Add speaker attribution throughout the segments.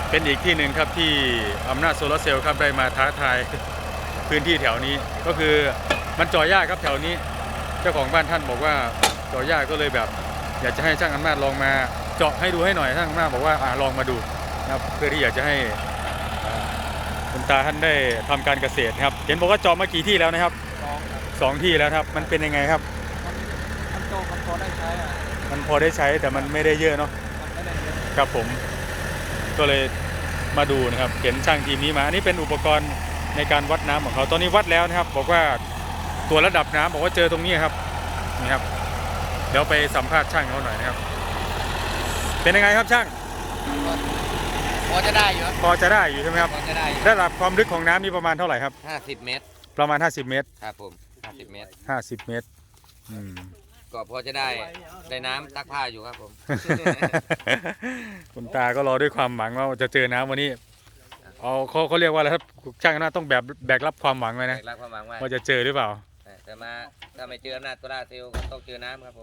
Speaker 1: เป็นอีกที่หนึ่งครับที่อำนาจโซลาร์เซลล์ครับได้มาท้าทายพื้นที่แถวนี้ก็คือมันเจาะยากครับแถวนี้เจ้าของบ้านท่านบอกว่าเจาะยากก็เลยแบบอยากจะให้ช่างอำนาจลองมาเจาะให้ดูให้หน่อยช่างอำนาจบอกว่าลองมาดูนะครับเพื่อที่อยากจะให้คุณตาท่านได้ทำการเกษตรครับเห็นบอกว่าเจาะมากี่ที่แล้วนะครับ2 ที่แล้วครับมันเป็นยังไงครับ
Speaker 2: มันโตมันพอได้ใช้
Speaker 1: มันพอได้ใช้แต่มันไม่ได้เยอะเนาะ
Speaker 2: มันไม่ได้เยอะ
Speaker 1: ครับผมก็เลยมาดูนะครับเห็นช่างทีมนี้มาอันนี้เป็นอุปกรณ์ในการวัดน้ำของเขาตอนนี้วัดแล้วนะครับบอกว่าตัวระดับน้ำบอกว่าเจอตรงนี้ครับนี่ครับเดี๋ยวไปสัมภาษณ์ช่างเขาหน่อยนะครับเป็นยังไงครับช่าง
Speaker 2: พอจะได้อยู่
Speaker 1: พอจะได้อยู่ใช่ไหมครับ
Speaker 2: พอจะได้
Speaker 1: ระดับความลึกของน้ำนี่ประมาณเท่าไหร่ครับ
Speaker 2: 50 เมตร
Speaker 1: ประมาณ50 เมตร
Speaker 2: ครับผม50 เมตร
Speaker 1: 50 เมตร
Speaker 2: ก็พอจะได้น้ำตักผ้าอยู่ครับผม
Speaker 1: คุณตาก็รอด้วยความหวังว่าจะเจอน้ำวันนี้เขาเรียกว่าอะไรครับช่างนะต้องแบกรับความหวังไว้นะ
Speaker 2: แบกรับความหวัง
Speaker 1: ว่าจะเจอหรือเปล่า
Speaker 2: แต่ถ้าไม่เจออำนาจโซลาร์เซลล์ก็ต้องเจอน้ำครับผม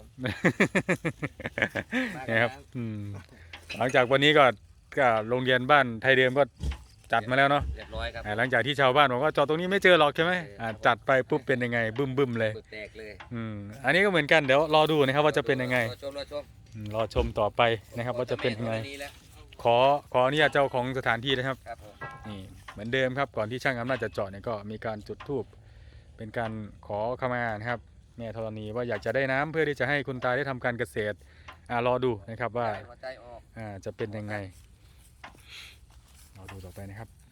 Speaker 1: นี่ครับหลังจากวันนี้ก็โรงเรียนบ้านไทยเดิมก็จัดมาแล้วเนาะ
Speaker 2: เรียบร้อยครับ
Speaker 1: หลังจากที่ชาวบ้านบอกว่าจอดตรงนี้ไม่เจอหรอกใช่ไหมจัดไปปุ๊บเป็นยังไงบึ้มเลย
Speaker 2: แตกเลย
Speaker 1: อันนี้ก็เหมือนกันเดี๋ยวรอดูนะครับว่าจะเป็นยังไง
Speaker 2: รอชม
Speaker 1: ต่อไปนะครับว่าจะเป็นยังไงขออนุญาตเจ้าของสถานที่นะครับนี่เหมือนเดิมครับก่อนที่ช่างอำนาจจะเจาะเนี่ยก็มีการจุดธูปเป็นการขอขมานะครับแม่ธรณีว่าอยากจะได้น้ำเพื่อที่จะให้คุณตาได้ทำการเกษตรรอดูนะครับว่าจะเป็นยังไงรอดูต่อไปนะครับ